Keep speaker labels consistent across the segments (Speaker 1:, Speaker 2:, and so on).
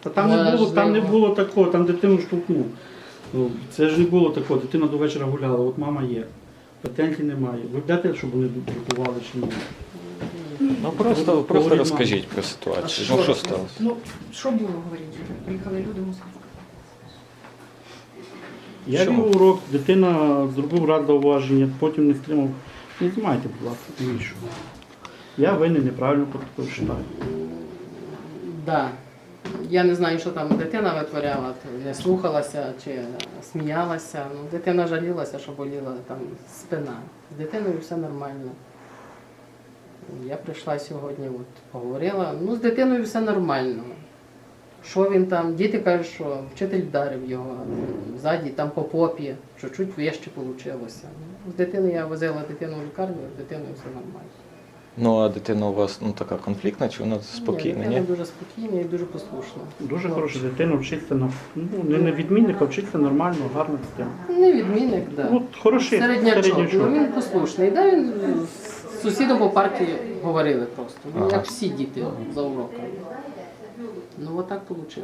Speaker 1: Та там не було такого, там дитину штовхнув. Ну, це ж не було такого, дитина до вечора гуляла, от мама є. Претензій немає. Ви бачите, щоб вони друкували чи ні?
Speaker 2: Ну просто розкажіть про ситуацію. Ну що сталося?
Speaker 3: Ну, що було, говоріть? Приїхали люди, мусили.
Speaker 1: Я вів урок, дитина зробив рад зауваження, потім не стримав. Не знімайте, будь ласка, навіщо? Я винен, неправильно вважаю.
Speaker 4: Да. Я не знаю, що там дитина витворяла, не слухалася чи сміялася. Ну, дитина жалілася, що боліла там спина. З дитиною все нормально. Я прийшла сьогодні, от, поговорила. Ну, з дитиною все нормально. Що він там, діти кажуть, що вчитель вдарив його ззаді, там по попі, що чуть вище вийшло. З дитиною я возила дитину в лікарню, з дитиною все нормально.
Speaker 2: Ну а дитина у вас така конфліктна, чи вона спокійна?
Speaker 4: Ні, дитина дуже спокійна і дуже послушна.
Speaker 1: Дуже хороша дитина, вчиться не відмінник, а вчиться нормально, гарна дитина.
Speaker 4: Не відмінник, так. Да.
Speaker 1: Ну, хороший
Speaker 4: Середнячок, ну він послушний. Да, він з сусідом по парті говорили просто. Ну, як всі діти за уроками. Ну, отак вийшло.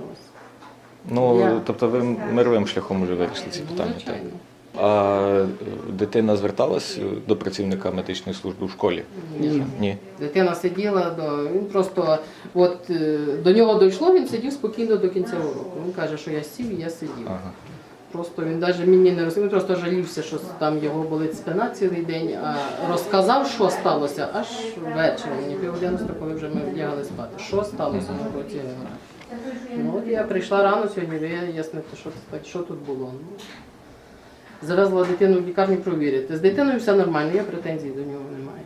Speaker 2: Ну, тобто ви мировим шляхом вже вирішили ці питання, так?
Speaker 4: Звичайно.
Speaker 2: А дитина зверталась до працівника медичної служби в школі? Ні.
Speaker 4: Дитина сиділа, він просто, от до нього дійшло, він сидів спокійно до кінця уроку. Він каже, що я сів і я сидів.
Speaker 2: Ага.
Speaker 4: Просто він навіть мені не розумів, просто жалівся, що там його болить спина цілий день, а розказав, що сталося, аж ввечері, мені 9:30, коли вже ми вдягали спати. Що сталося на роботі? Ну от я прийшла рано сьогодні вияснити, що тут було. Ну, завезла дитину в лікарню провірити. З дитиною все нормально, я претензій до нього немає.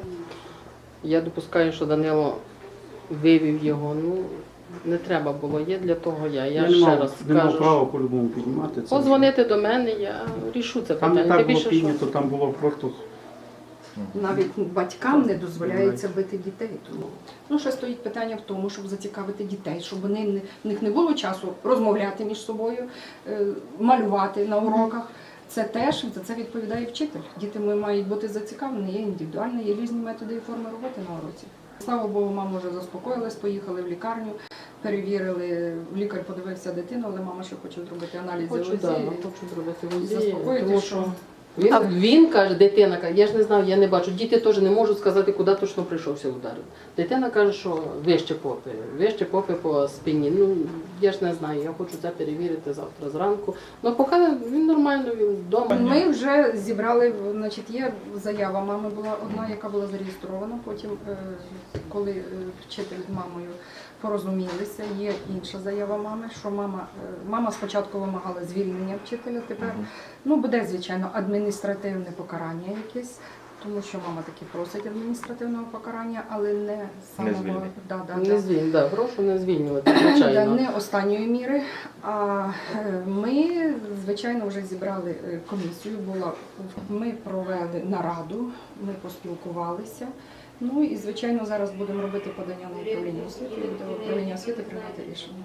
Speaker 4: Я допускаю, що Данило вивів його, ну не треба було, є для того я. Я ще раз
Speaker 1: не мав
Speaker 4: кажу,
Speaker 1: права по-любому піднімати це.
Speaker 4: подзвонити до мене, я рішу це
Speaker 1: Там
Speaker 4: питання.
Speaker 1: не так
Speaker 4: Тим
Speaker 1: було
Speaker 4: більше, що-
Speaker 1: піднято, там було просто...
Speaker 3: Навіть батькам не дозволяється бити дітей. Тому ну ще стоїть питання в тому, щоб зацікавити дітей, щоб в них не було часу розмовляти між собою, малювати на уроках. Це теж за це відповідає вчитель. Діти мають бути зацікавлені, є індивідуальні, є різні методи і форми роботи на уроці. Слава Богу, мама вже заспокоїлась, поїхали в лікарню, перевірили, лікар подивився дитину, але мама ще хоче зробити аналізи
Speaker 4: Хочу,
Speaker 3: УЗІ.
Speaker 4: да, хочу зробити УЗІ,
Speaker 3: Заспокоїти,
Speaker 4: тому
Speaker 3: що-
Speaker 4: Він каже, дитина каже, я ж не знав, я не бачу. Діти теж не можуть сказати, куди точно прийшовся удар. Дитина каже, що вище попи по спині. Ну, я ж не знаю, я хочу це перевірити завтра зранку. Ну, поки він нормально, він вдома.
Speaker 3: Ми вже зібрали, значить, є заява мами була одна, яка була зареєстрована. Потім, коли вчитель з мамою порозумілися, є інша заява мами, що мама спочатку вимагала звільнення вчителя, тепер буде, звичайно, адміністративне покарання якесь, тому що мама таки просить адміністративного покарання, але не самого
Speaker 4: звільнення. Прошу не звільнювати, звичайно.
Speaker 3: не останньої міри. А ми, звичайно, вже зібрали комісію, ми провели нараду, ми поспілкувалися. Ну і, звичайно, зараз будемо робити подання на управління освіти, і буде управління освіти прийняти рішення.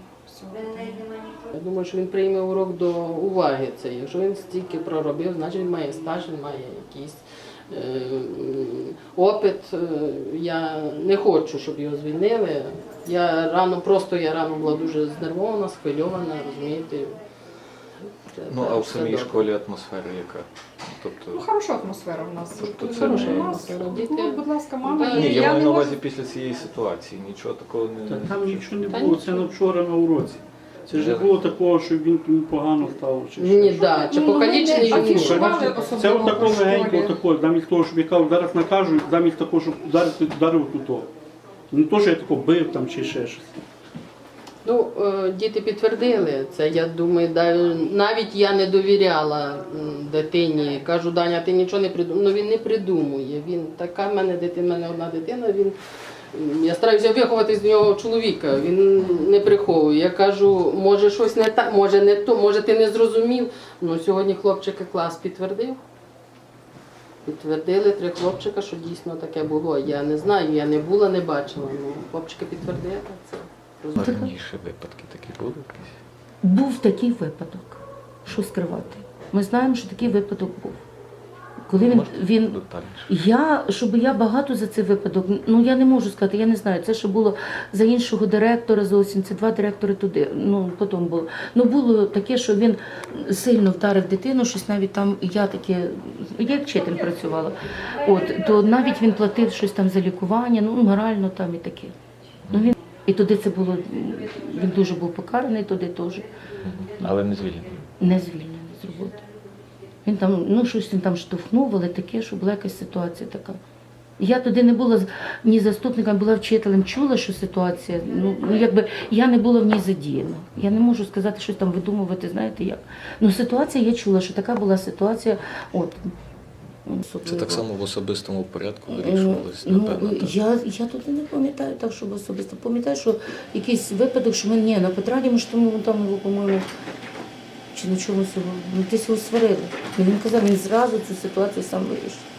Speaker 4: Я думаю, що він прийме урок до уваги. Це. Якщо він стільки проробив, значить він має стаж, він має якийсь опит. Я не хочу, щоб його звільнили. Я рано була дуже знервована, схвильована, розумієте.
Speaker 2: Ну а в самій школі атмосфера яка?
Speaker 3: Ну, хороша атмосфера в нас.
Speaker 2: Тобто це
Speaker 4: Хороша
Speaker 2: не...
Speaker 4: атмосфера.
Speaker 3: Ну, будь ласка, мама.
Speaker 4: Да.
Speaker 2: Ні, я
Speaker 3: не
Speaker 2: маю на
Speaker 3: можу-
Speaker 2: увазі після цієї ситуації. Нічого такого не...
Speaker 1: Там нічого не
Speaker 4: Та
Speaker 1: було,
Speaker 4: ні.
Speaker 1: це на вчора на уроці. Це ж не було такого, що він погано став. Чи
Speaker 4: Ні,
Speaker 1: що.
Speaker 4: да, чи
Speaker 3: Ну,
Speaker 4: покалічений
Speaker 3: ми не
Speaker 4: він
Speaker 3: афішували.
Speaker 4: може.
Speaker 3: Особливо
Speaker 1: Це отако
Speaker 3: в школі.
Speaker 1: легенько, отако, замість того, щоб я кажу, зараз накажу, замість того, щоб ударив тут. Не то, що я тако бив там чи ще щось.
Speaker 4: Ну, діти підтвердили це, я думаю, навіть я не довіряла дитині. Кажу, Даня, ти нічого не придумав. Ну, він не придумує. Він така в мене одна дитина, я стараюся виховати з нього чоловіка, він не приховує. Я кажу, може щось не так, може не то, може ти не зрозумів. Ну, сьогодні хлопчики клас підтвердив. Підтвердили 3 хлопчика, що дійсно таке було. Я не знаю, я не була, не бачила. Ну, хлопчики підтвердили це.
Speaker 2: Раніше випадки такі були якісь?
Speaker 5: Був такий випадок, що скривати. Ми знаємо, що такий випадок був. Коли
Speaker 2: Можете
Speaker 5: він
Speaker 2: детальніше?
Speaker 5: щоб я багато за цей випадок, ну я не можу сказати, я не знаю. Це ще було за іншого директора зовсім, це 2 директори туди, ну потім було. Ну було таке, що він сильно вдарив дитину, щось навіть там, я як вчитель працювала, то навіть він платив щось там за лікування, ну морально там і таке. Ну, і туди це було, він дуже був покараний туди теж,
Speaker 2: Але не звільнений.
Speaker 5: не звільнений з роботи. Він там, ну щось він там штовхнув, але таке, що була якась ситуація така. Я туди не була ні заступником, була вчителем, чула, що ситуація, ну якби я не була в ній задіяна. Я не можу сказати, щось там видумувати, знаєте як. Ну ситуація, я чула, що така була ситуація,
Speaker 2: Це так само в особистому порядку вирішувалось,
Speaker 5: Ну,
Speaker 2: напевно. так?
Speaker 5: я тут не пам'ятаю так, щоб особисто. Пам'ятаю, що якийсь випадок, що ми на Петраді, ми ж там його, по-моєму, чи на чомусь його, десь його сварили. Ну, він казав, він зразу цю ситуацію сам вирішив.